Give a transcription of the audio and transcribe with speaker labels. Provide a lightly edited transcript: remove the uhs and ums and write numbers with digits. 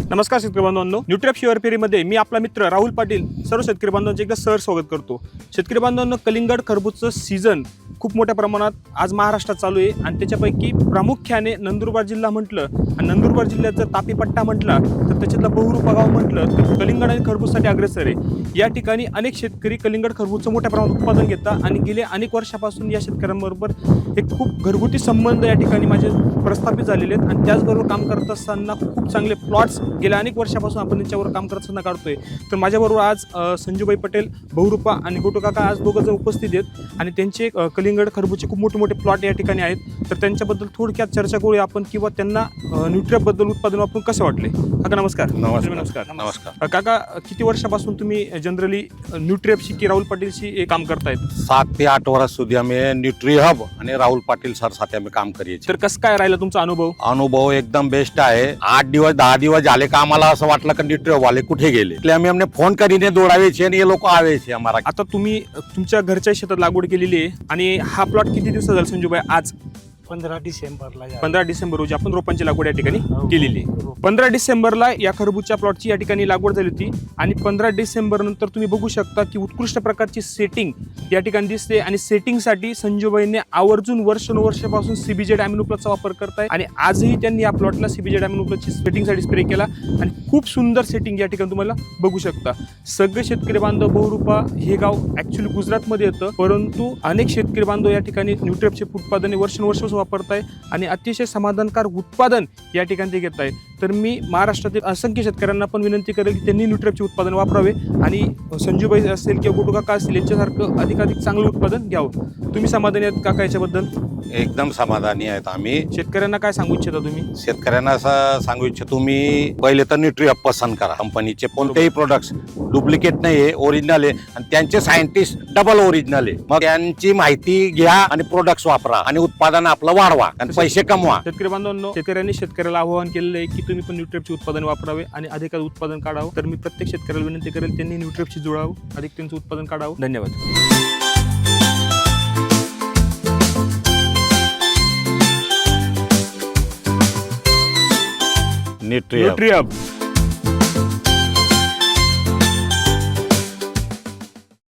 Speaker 1: नमस्कार शेतकरी बांधवांनो, न्यूट्रॅप शिवार फेरीमध्ये मी आपला मित्र राहुल पाटील सर्व शेतकरी बांधवांचे एकदा सहर्ष स्वागत करतो। शेतकरी बांधवांनो, कलिंगड खरबूजचं सीझन खूप मोठ्या प्रमाणात आज महाराष्ट्रात चालू आहे आणि त्याच्यापैकी प्रामुख्याने नंदुरबार जिल्हा म्हटलं आणि नंदुरबार जिल्ह्यात जर तापी पट्टा म्हटला तर त्याच्यातला बहुरूपा गाव म्हटलं तर कलिंगड आणि खरबूजसाठी अग्रेसर आहे। या ठिकाणी अनेक शेतकरी कलिंगड खरबूजचं मोठ्या प्रमाणात उत्पादन घेतात आणि गेले अनेक वर्षापासून या शेतकऱ्यांबरोबर एक खूप घरगुती संबंध या ठिकाणी माझे प्रस्थापित झालेले आहेत आणि त्याचबरोबर काम करत असताना खूप चांगले प्लॉट्स गेल्या अनेक वर्षापासून आपण त्यांच्यावर काम करत असताना काढतोय। तर माझ्याबरोबर आज संजूभाई पटेल, बहुरूपा आणि गोटू काका आज दोघं जण उपस्थित आहेत आणि त्यांचे कलिंगड खरबूजचे खूप मोठे मोठे प्लॉट या ठिकाणी आहेत। तर त्यांच्याबद्दल थोडक्यात चर्चा करूया आपण किंवा त्यांना न्यूट्रॅपबद्दल उत्पादन वापरून कसे वाटले। काका नमस्कार।
Speaker 2: नमस्कार।
Speaker 1: काका, किती वर्षापासून तुम्ही जनरली न्यूट्रॅपशी की राहुल पाटीलशी काम करतायत?
Speaker 2: 7 ते 8 वर्ष સુધી અમે ન્યુટ્રી હબ અને રાहुल પાટીલ સર સાથે અમે કામ કરીએ છીએ।
Speaker 1: तर कसं काय राहिला तुमचा अनुभव?
Speaker 2: अनुभव एकदम बेस्ट आहे। 8 दिवस 10 दिवस झाले का आम्हाला असं वाटलं की न्यूट्री वाले कुठे गेले, એટલે અમે એમને फोन કરીને दौड़ावे છીએ અને એ લોકો આવે છે અમારા।
Speaker 1: आता तुम्ही तुमच्या घरच्या शेतात लागवड केलेली आहे आणि हा प्लॉट किती दिवस झाला संजूभाई? आज
Speaker 3: 15 डिसेंबरला
Speaker 1: 15 डिसेंबर रोजी आपण रोपांची लागवड या ठिकाणी केलेली आहे। 15 डिसेंबरला या खरबूजच्या प्लॉटची या ठिकाणी लागवड झाली होती आणि 15 डिसेंबर नंतर तुम्ही बघू शकता की उत्कृष्ट प्रकारची सेटिंग या ठिकाणी दिसते आणि सेटिंगसाठी संजूभाईंनी आवर्जून वर्षानुवर्षापासून सीबीजेड अॅमिनो प्लसचा वापर करताय आणि आजही त्यांनी या प्लॉटला सीबीजेड अॅमिनो प्लसची सेटिंगसाठी स्प्रे केला आणि खूप सुंदर सेटिंग या ठिकाणी तुम्हाला बघू शकता। सगळे शेतकरी बांधव, बहुरूपा हे गाव ऍक्च्युली गुजरातमध्ये येतं, परंतु अनेक शेतकरी बांधव या ठिकाणी न्यूट्रॅपचे उत्पादने वर्षानुवर्ष वापरताय आणि अतिशय समाधानकारक उत्पादन या ठिकाणी ते घेत आहे। तर मी महाराष्ट्रातील असंख्य शेतकऱ्यांना पण विनंती करेल की त्यांनी न्यूट्रॅपचे उत्पादन वापरावे आणि संजूभाई असेल किंवा गोटू काका असतील यांच्यासारखं अधिकाधिक चांगलं उत्पादन घ्यावं। तुम्ही समाधानी आहेत काका याच्याबद्दल?
Speaker 2: एकदम समाधानी आहेत आम्ही।
Speaker 1: शेतकऱ्यांना काय सांगू इच्छिता तुम्ही?
Speaker 2: शेतकऱ्यांना असं सांगू इच्छितो, तुम्ही पहिले तर न्यूट्री हब पसंत करा। कंपनीचे कोणतेही प्रोडक्ट्स डुप्लिकेट नाही आहे, ओरिजिनल आहे आणि त्यांचे सायंटिस्ट डबल ओरिजिनल आहे। मग त्यांची माहिती घ्या आणि प्रोडक्ट्स वापरा आणि उत्पादन आपलं वाढवा आणि पैसे कमवा।
Speaker 1: शेतकरी बांधवांनो, शेतकऱ्यांनी शेतकऱ्याला आवाहन केलेलं आहे की तुम्ही पण न्यूट्रॅपचे उत्पादन वापरावे आणि अधिकाधिक उत्पादन काढावं। तर मी प्रत्येक शेतकऱ्याला विनंती करेल त्यांनी न्यूट्रॅपशी जुळावं, अधिक त्यांचं उत्पादन काढावं। धन्यवाद।
Speaker 2: Nutri hub.